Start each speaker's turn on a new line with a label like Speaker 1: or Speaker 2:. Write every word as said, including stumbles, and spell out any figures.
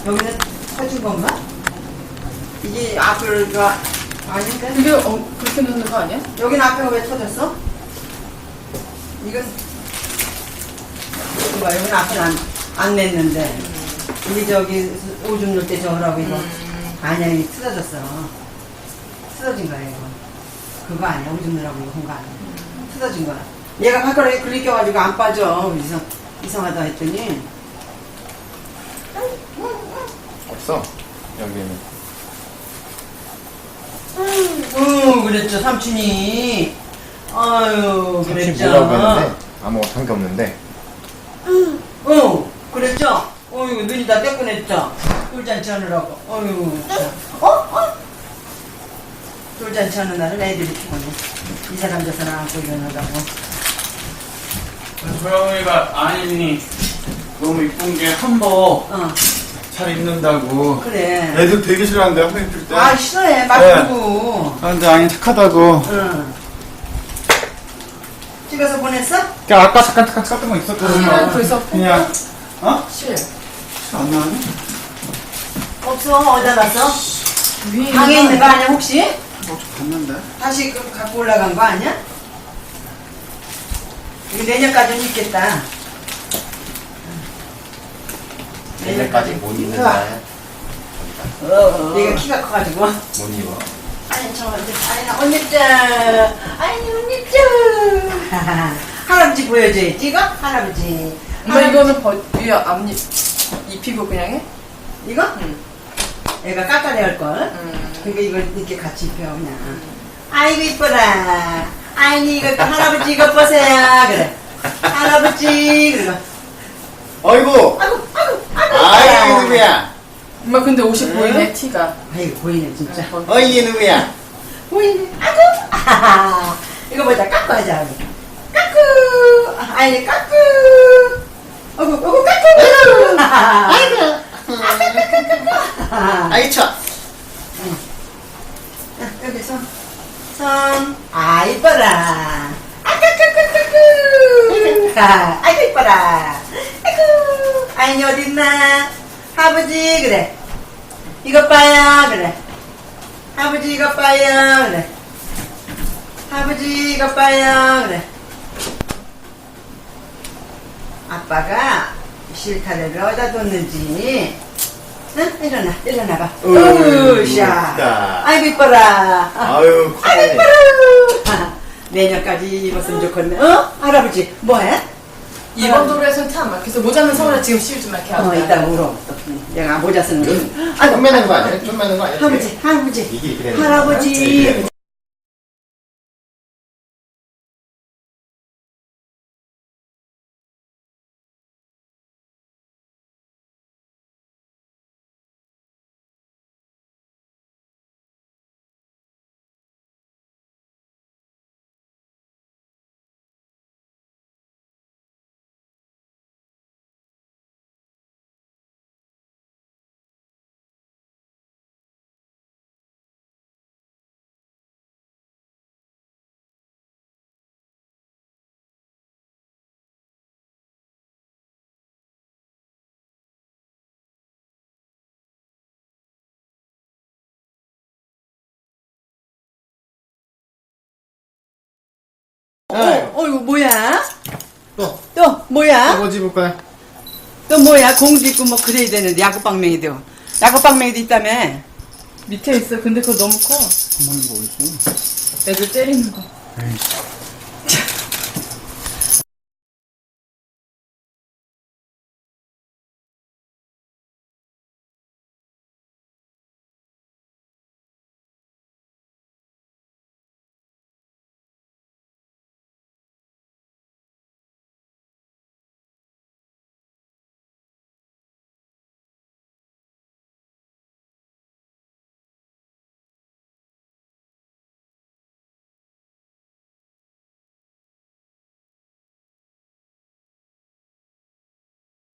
Speaker 1: 여기는 터진 건가? 이게 앞을 그 아닌가?
Speaker 2: 근데 어, 그렇게 넣는 거 아니야?
Speaker 1: 여기는 앞에가 왜 터졌어? 이건 이거 봐, 여기는 앞에 안, 안 냈는데 이게 저기 오줌 넣을 때 저거라고 이거
Speaker 2: 음.
Speaker 1: 아니야, 이게 틀어졌어. 틀어진 거야 이거. 그거 아니야, 오줌 넣으라고 이거 한 거 아니야. 틀어진 거야. 얘가 발가락에 긁혀가지고 안 빠져. 이상, 이상하다 했더니
Speaker 3: 없어 여기는.
Speaker 1: 응, 그랬죠, 삼촌이. 아유,
Speaker 3: 삼촌이
Speaker 1: 그랬죠.
Speaker 3: 뭐라고 했는데 아무것도 한 게 없는데.
Speaker 1: 응, 그랬죠. 어휴, 눈이 다 떼꺼냈죠. 돌잔치 하느라고. 어휴. 어? 어? 돌잔치 하는 날은 애들이 피곤해. 이 사람 저 사람 안고 일어나다고.
Speaker 4: 소영이가 아니 너무 이쁜 게 한복
Speaker 1: 어,
Speaker 4: 잘 입는다고.
Speaker 1: 그래.
Speaker 4: 애들 되게 싫어하는데 선생님 줄 때.
Speaker 1: 아, 싫어해. 막
Speaker 4: 네.
Speaker 1: 부르고.
Speaker 4: 아, 근데 아니 착하다고.
Speaker 1: 응. 찍어서 보냈어?
Speaker 4: 그러니까 아까 잠깐 잠깐 찍었던 거 있었거든요.
Speaker 2: 실은 벌써
Speaker 4: 그냥 어?
Speaker 2: 실.
Speaker 4: 안 나왔네?
Speaker 1: 없어. 어디다 놨어?
Speaker 2: 위에
Speaker 1: 방에 있는 거 아니야, 혹시?
Speaker 4: 뭐 좀 봤는데.
Speaker 1: 다시 그 갖고 올라간 거 아니야? 이거 내년까지는 있겠다.
Speaker 3: 내년까지 못 입는
Speaker 1: 우와.
Speaker 3: 날
Speaker 1: 얘가 키가 커가지고.
Speaker 3: 못 입어.
Speaker 1: 아니, 저, 아니, 나 언니 짱. 아니, 언니 짱. 할아버지 보여줘야지, 이거? 할아버지.
Speaker 2: 엄마 이거는 버, 위에 앞니 입히고 그냥 해?
Speaker 1: 이거?
Speaker 2: 응.
Speaker 1: 얘가 깎아내야 걸.
Speaker 2: 음.
Speaker 1: 그러니까 이걸 이렇게 같이 입혀, 그냥. 아이고, 이뻐라. 아니, 이거 할아버지 이거 보세요. 그래. 할아버지. 그래.
Speaker 3: 어이구.
Speaker 1: 아이고, 아이고, 아이고.
Speaker 3: 아이 누구야?
Speaker 2: 엄마 근데 옷이
Speaker 1: 응?
Speaker 2: 보이네 티가.
Speaker 1: 아이고, 보이네, 진짜.
Speaker 2: 응,
Speaker 3: 어이 누구야?
Speaker 1: 보이네. 아이고. 아하하. 이거 보자, 깎고 하자. 우리. 깎고. 아니, 깎고. 어구, 어구, 깎고. 아이고.
Speaker 3: 아이 쳐.
Speaker 1: 여기 손. 손. 아, 이뻐라. 아까까까까꾸. 아, 아이고, 이뻐라. 아이고. 아이니, 어딨나? 아버지, 그래. 이것 봐요, 그래. 아버지, 이것 봐요, 그래. 아버지, 이것 봐요, 그래. 아빠가 실타래를 어디다 뒀는지. 응? 일어나, 일어나봐. 으쌰.
Speaker 3: 이쁘다.
Speaker 1: 아이고, 이뻐라.
Speaker 3: 아유
Speaker 1: 아이고,
Speaker 3: 커네.
Speaker 1: 이뻐라. 내년까지 입었으면 좋겠네. 어? 할아버지, 뭐해?
Speaker 2: 이번 도로에서는 타 안 막혀서 모자는 서울에 지금 씌우지 말게 하고.
Speaker 1: 어, 이따 울어. 얘가 모자 쓰는 거.
Speaker 3: 좀 매는 거 아니야? 좀 매는 거 아니야?
Speaker 1: 할아버지, 할아버지.
Speaker 3: 이게 이렇게 되는 거야?
Speaker 1: 할아버지.
Speaker 3: 이렇게 되는
Speaker 1: 어, 어, 이거 뭐야?
Speaker 3: 또.
Speaker 1: 또, 뭐야?
Speaker 3: 뭐 집을 거야?
Speaker 1: 또 뭐야? 공도 있고 뭐 그래야 되는데, 야구방맹이도. 야구방맹이도 있다며.
Speaker 2: 밑에 있어. 근데 그거 너무 커.
Speaker 3: 가만히 뭐 있어?
Speaker 2: 애들 때리는 거.
Speaker 3: 에이씨.